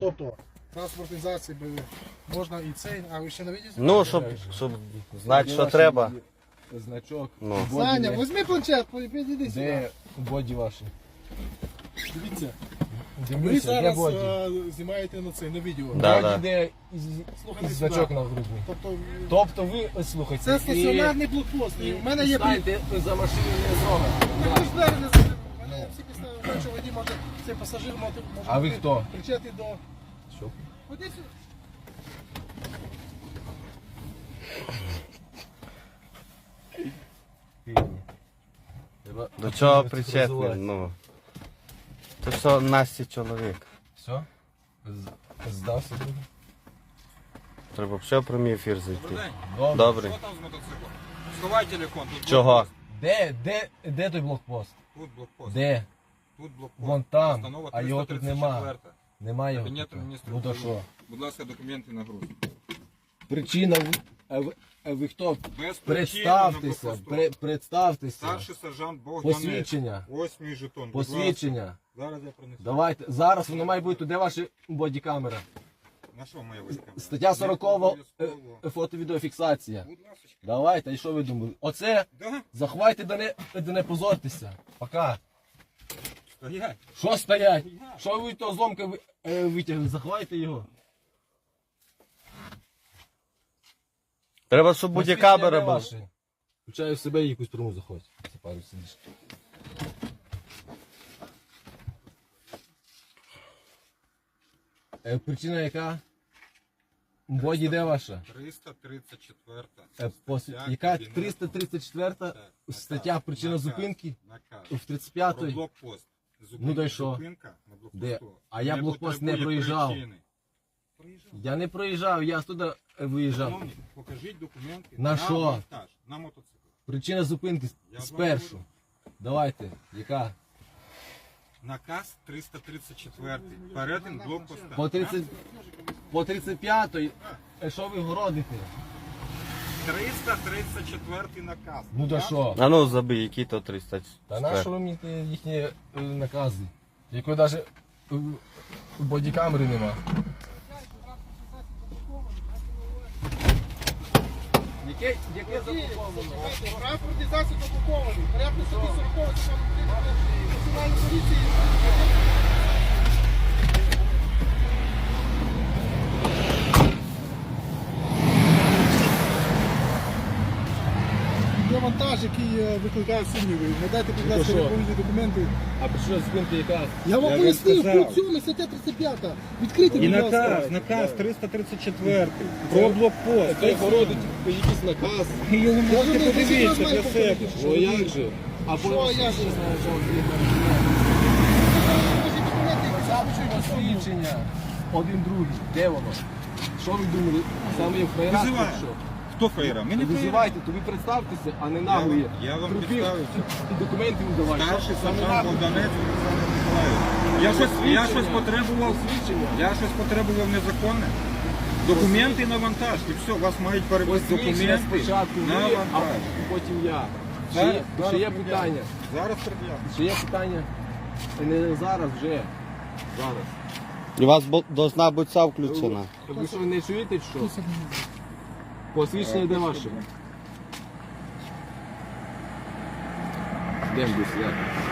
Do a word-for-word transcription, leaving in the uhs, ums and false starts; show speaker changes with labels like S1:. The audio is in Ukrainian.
S1: Тобто, транспортизації можна і цей, а ви ще не видите?
S2: Ну, щоб, щоб знати, що треба.
S3: Значок.
S2: Ну.
S1: Саня, візьми планшет, підійди сюди.
S3: Де боді ваші?
S1: Дивіться, ви
S3: Дивіться, де
S1: зараз
S3: боді?
S1: е, знімаєте на це, на відео.
S2: Да,
S3: Боді,
S2: да.
S3: де із-
S1: Слухайте
S3: із
S1: сюди.
S3: значок на грудні.
S1: Тобто,
S3: Тобто ви, ось, слухайте,
S1: це стаціонарний блокпост. І в мене є при...
S3: Станьте за машиною не зробите.
S1: Так ви ж двері не закрили. У мене є всі підстави, що водій може, цей пасажир може, може
S3: А ви
S1: бути
S3: хто?
S1: причетний до...
S3: Що?
S1: Ходи сюди.
S3: Треба
S2: До чого
S3: авторизувати.
S2: причетний? Ну. Це все Насті чоловік.
S3: Все? З- Здався друге?
S2: Треба ще в прямий ефір зайти.
S4: Добрий день.
S3: Добре.
S2: Добре.
S4: Що там з мотоциклом? Сховай телефон. Тут
S2: Чого?
S4: блокпост.
S3: Де, де, де той блокпост?
S4: Тут блокпост.
S3: Де?
S4: Тут блокпост.
S3: Вон там,
S4: Постанова
S3: а його тут
S4: триста
S3: нема.
S4: тридцять четвертая.
S3: Немає його.
S4: Кабінет
S3: тут.
S4: міністрів.
S3: Ну то що?
S4: Будь ласка, документи на груз.
S3: Причина, ви- а ви, а ви хто?
S4: Без причини
S3: Представтеся,
S4: на блокпосту.
S3: пре- представтеся.
S4: Старший сержант Богданець.
S3: Посвідчення.
S4: Ось мій жетон. Будь
S3: Посвідчення.
S4: ласка. Зараз я принесу.
S3: Давайте, зараз воно має бути, де ваша бодікамера?
S4: На що моя війська?
S3: Стаття сорокова, е, фото-відеофіксація.
S4: Будь ласка.
S3: Давайте, і що ви думали? Оце,
S4: Да?
S3: заховайте, да не, да не позортеся. Пока.
S4: Стоять.
S3: Що стоять? Що ви того зломка ви- е, витягли? Заховайте його.
S2: Треба, щоб бодікамера була.
S3: була. Включаю в себе і якусь пряму заходь. Це пару сидиш. Е, причина яка? Боді де ваша?
S4: триста тридцять четверта.
S3: Е, пос...
S4: Стаття
S3: Яка
S4: Кабінету.
S3: триста тридцять четверта
S4: Так,
S3: стаття
S4: наказ,
S3: причина
S4: наказ,
S3: зупинки
S4: наказ.
S3: в тридцять
S4: Про
S3: п'ятій.
S4: блокпост. Зупинка,
S3: Ну, да й що?
S4: Зупинка на блокпосту.
S3: Де? А я блокпост не
S4: потребує
S3: проїжджав.
S4: причини. Проїжджав.
S3: Я не проїжджав, я туди е, виїжджав.
S4: Шановні, покажіть документи
S3: На що?
S4: монтаж, на мотоцикл.
S3: Причина зупинки
S4: Я
S3: спершу.
S4: вам
S3: Давайте, яка?
S4: Наказ триста тридцять четвертий. Перетин блокпоста.
S3: По тридцять, по тридцять п'ятій, е, що ви городите?
S4: триста тридцять четвертий наказ.
S3: Ну да що?
S2: А ну забий, які то триста.
S3: Та на що ви мені ті їхні е, накази? Якої навіть е, бодікамери нема. Яке, яке заблоковано?
S1: Транспортизація заблокований. Порядку собі сорокового закону національної поліції. Є вантаж, який е, викликає сумніви. Надайте, будь ласка,
S3: що?
S1: відповідні документи.
S3: А причина зупинки яка?
S1: Я вам
S4: Я
S1: пояснив,
S4: вам сказав.
S1: пункт сьомий, стаття тридцять п'ята. Відкрийте,
S4: І
S1: будь ласка.
S4: наказ, наказ триста тридцять четвертий. Про блокпост.
S3: Це городить якийсь наказ.
S4: Його
S1: Я
S4: можете
S1: думаю,
S4: подивитися
S1: ви
S4: для
S1: всі
S4: себе.
S1: знаєте,
S3: Ну як же? А
S1: Що,
S3: потім
S1: як же?
S3: посвідчення. Один другий. Де воно? Що ви думали? Саме є в фраєрах?
S4: Визиваю.
S3: чи що?
S4: Хто фаєра? Ми не фаєра.
S3: Визивайте, то ви представтеся, а не
S4: Я
S3: наглі.
S4: вам- я вам
S3: Трупів
S4: представився.
S3: і документи не давайте.
S4: Старший
S3: Саме
S4: сержант
S3: наглі.
S4: Богданець Олександр Миколаївич. Я щось, я щось потребував,
S3: Посвідчення.
S4: я щось потребував незаконне. Документи на вантаж. І все, вас мають перевести
S3: Посвідчення
S4: документи
S3: спочатку
S4: на
S3: ви, а
S4: вантаж.
S3: потім я. Ще
S4: Зараз-
S3: є-
S4: зараз
S3: Ще є
S4: пред'явлю.
S3: питання.
S4: Зараз пред'явлю.
S3: Ще є питання. Та не зараз, вже. Зараз.
S2: У вас бо- должна бути ця включена.
S3: Ви що, не чуєте, чи що? Посвідчення де ваше? Де буде сидіти?